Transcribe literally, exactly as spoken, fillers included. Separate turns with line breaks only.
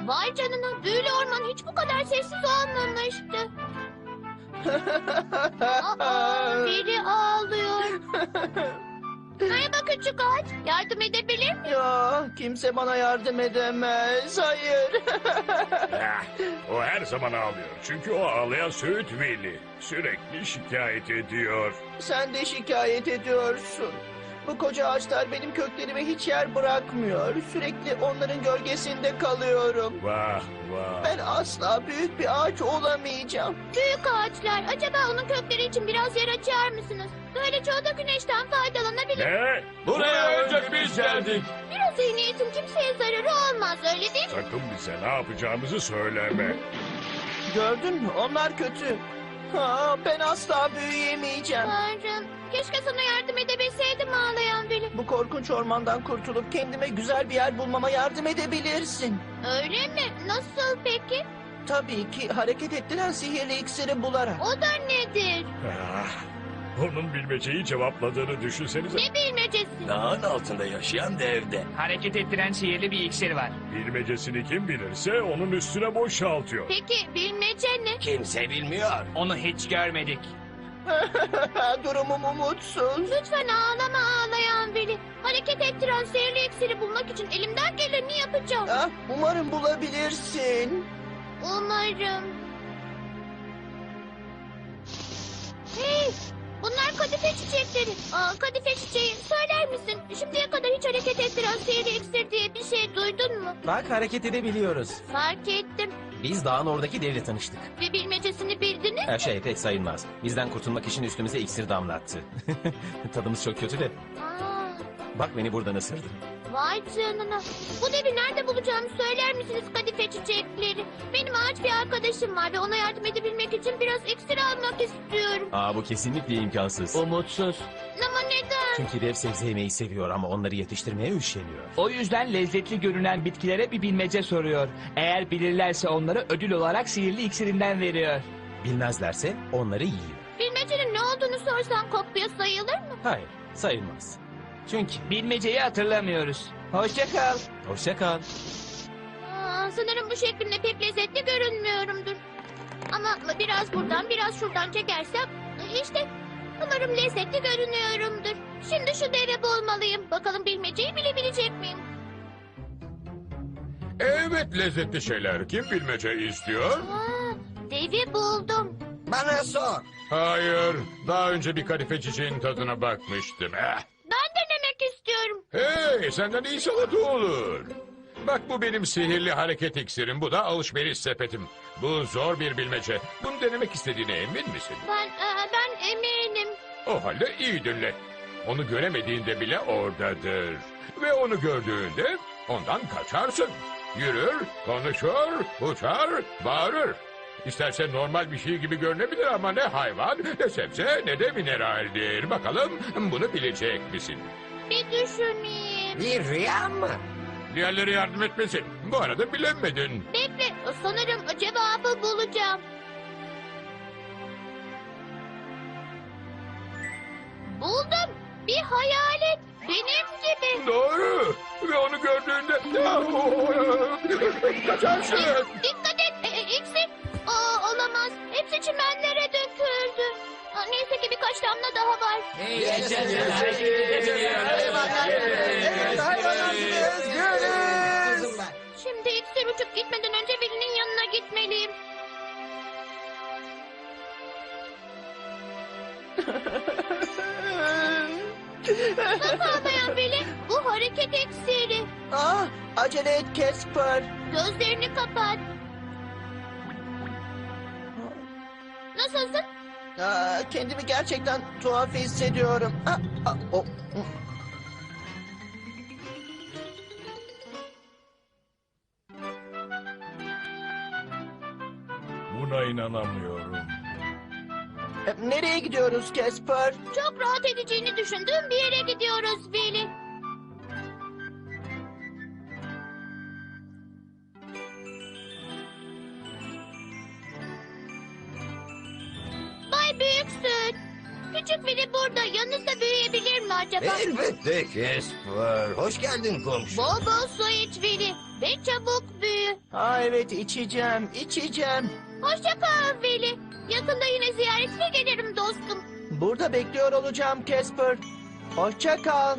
Vay canına, büyülü orman hiç bu kadar sessiz olmamıştı. Aa, biri ağlıyor. Merhaba küçük ağaç, yardım edebilir miyim?
Ya kimse bana yardım edemez. Hayır.
Ah, o her zaman ağlıyor. Çünkü o ağlayan Söğüt Veli. Sürekli şikayet ediyor.
Sen de şikayet ediyorsun. Bu koca ağaçlar benim köklerime hiç yer bırakmıyor. Sürekli onların gölgesinde kalıyorum.
Vah vah.
Ben asla büyük bir ağaç olamayacağım.
Büyük ağaçlar, acaba onun kökleri için biraz yer açar mısınız? Böylece o da güneşten faydalanabilir.
Ne?
Buraya önce biz geldik.
Biraz iyi niyetin kimseye zararı olmaz, öyle değil mi?
Sakın bize ne yapacağımızı söyleme.
Gördün mü? Onlar kötü. Ha, ben asla büyüyemeyeceğim.
Tanrım, keşke sana yardım edebilseydim ağlayan Veli.
Bu korkunç ormandan kurtulup kendime güzel bir yer bulmama yardım edebilirsin.
Öyle mi? Nasıl peki?
Tabii ki hareket ettiren sihirli iksiri bularak.
O da nedir?
Ah, onun bilmeceyi cevapladığını düşünsenize.
Ne bilmecesi?
Dağın altında yaşayan devde.
Hareket ettiren sihirli bir iksir var.
Bilmecesini kim bilirse onun üstüne boşaltıyor.
Peki bilmece ne?
Kimse bilmiyor.
Onu hiç görmedik.
Durumum umutsuz.
Lütfen ağlama ağlayan Veli. Hareket ettiren sihirli iksiri bulmak için elimden geleni yapacağım.
Ah, umarım bulabilirsin.
Umarım. Hey! Bunlar kadife çiçekleri. Aa, kadife çiçeği, söyler misin? Şimdiye kadar hiç hareket ettiren sihirli iksir diye bir şey duydun mu?
Bak hareket edebiliyoruz.
Fark ettim.
Biz dağın oradaki devle tanıştık.
Ve bilmecesini bildiniz.
Her şey pek sayılmaz. Bizden kurtulmak için üstümüze iksir damlattı. Tadımız çok kötü de.
Aa,
Bak beni buradan ısırdı.
vay canına. Bu devi nerede bulacağımı söyler misiniz kadife çiçekleri? Benim ağaç bir arkadaşım var ve ona yardım edebilmek için biraz iksir almak istiyorum.
Aa bu kesinlikle imkansız.
Umutsuz.
Ama neden?
Çünkü dev sebze yemeyi seviyor ama onları yetiştirmeye üşeniyor.
O yüzden lezzetli görünen bitkilere bir bilmece soruyor. Eğer bilirlerse onları ödül olarak sihirli iksirinden veriyor.
Bilmezlerse onları yiyor.
Bilmecenin ne olduğunu sorsan kopya sayılır mı?
Hayır sayılmaz. Çünkü
Bilmeceyi hatırlamıyoruz. Hoşça kal.
hoşça kal.
Aa, sanırım bu şeklimde pek lezzetli görünmüyorumdur. Ama biraz buradan biraz şuradan çekersem işte umarım lezzetli görünüyorumdur. Şimdi şu devi bulmalıyım. Bakalım bilmeceyi bilebilecek miyim?
Evet, lezzetli şeyler. Kim bilmece istiyor?
Aa, devi buldum.
Bana sor.
Hayır. Daha önce bir kadife çiçeğin tadına bakmıştım. Eh.
Ben denemek istiyorum.
Hey, senden iyi salata olur. Bak bu benim sihirli hareket iksirim. Bu da alışveriş sepetim. Bu zor bir bilmece. Bunu denemek istediğine emin misin?
Ben e, ben eminim.
O halde iyi dinle. Onu göremediğinde bile oradadır. Ve onu gördüğünde ondan kaçarsın. Yürür, konuşur, uçar, bağırır. İsterse normal bir şey gibi görünebilir ama ne hayvan, ne sebze, ne de mineraldir. Bakalım bunu bilecek misin?
Bir düşüneyim.
Bir rüya mı?
Diğerleri yardım etmesin. Bu arada bilemedin.
Bekle, sanırım cevabı bulacağım. Buldum. Bir hayalet. Benim gibi.
Doğru. Ve onu gördüğünde... Kaçarsın.
Dikkat et. E, e, iksir. Aa, olamaz. Hepsi çimenlere döküldü. Aa, neyse ki birkaç damla daha var. Şimdi iksir uçup gitmeden önce birinin yanına gitmeliyim. Nasıl anlayan Veli? Bu hareket iksiri.
Ah, acele et Casper.
Gözlerini kapat. Nasılsın?
Aa, kendimi gerçekten tuhaf hissediyorum. Ah, ah, o-
Buna inanamıyorum.
E, Nereye gidiyoruz Casper?
Çok rahat edeceğini düşündüğüm bir yere gidiyoruz Veli. Bay Büyüksün. Küçük biri burada. Yanınızda büyüyebilir mi acaba?
Elbette Casper. Hoş geldin komşu.
Bol bol su iç Vili. Ve çabuk büyü.
Ha evet içeceğim, içeceğim.
Hoşça kal Vili. Yakında yine ziyaretine gelirim dostum.
Burada bekliyor olacağım Casper. Hoşça kal.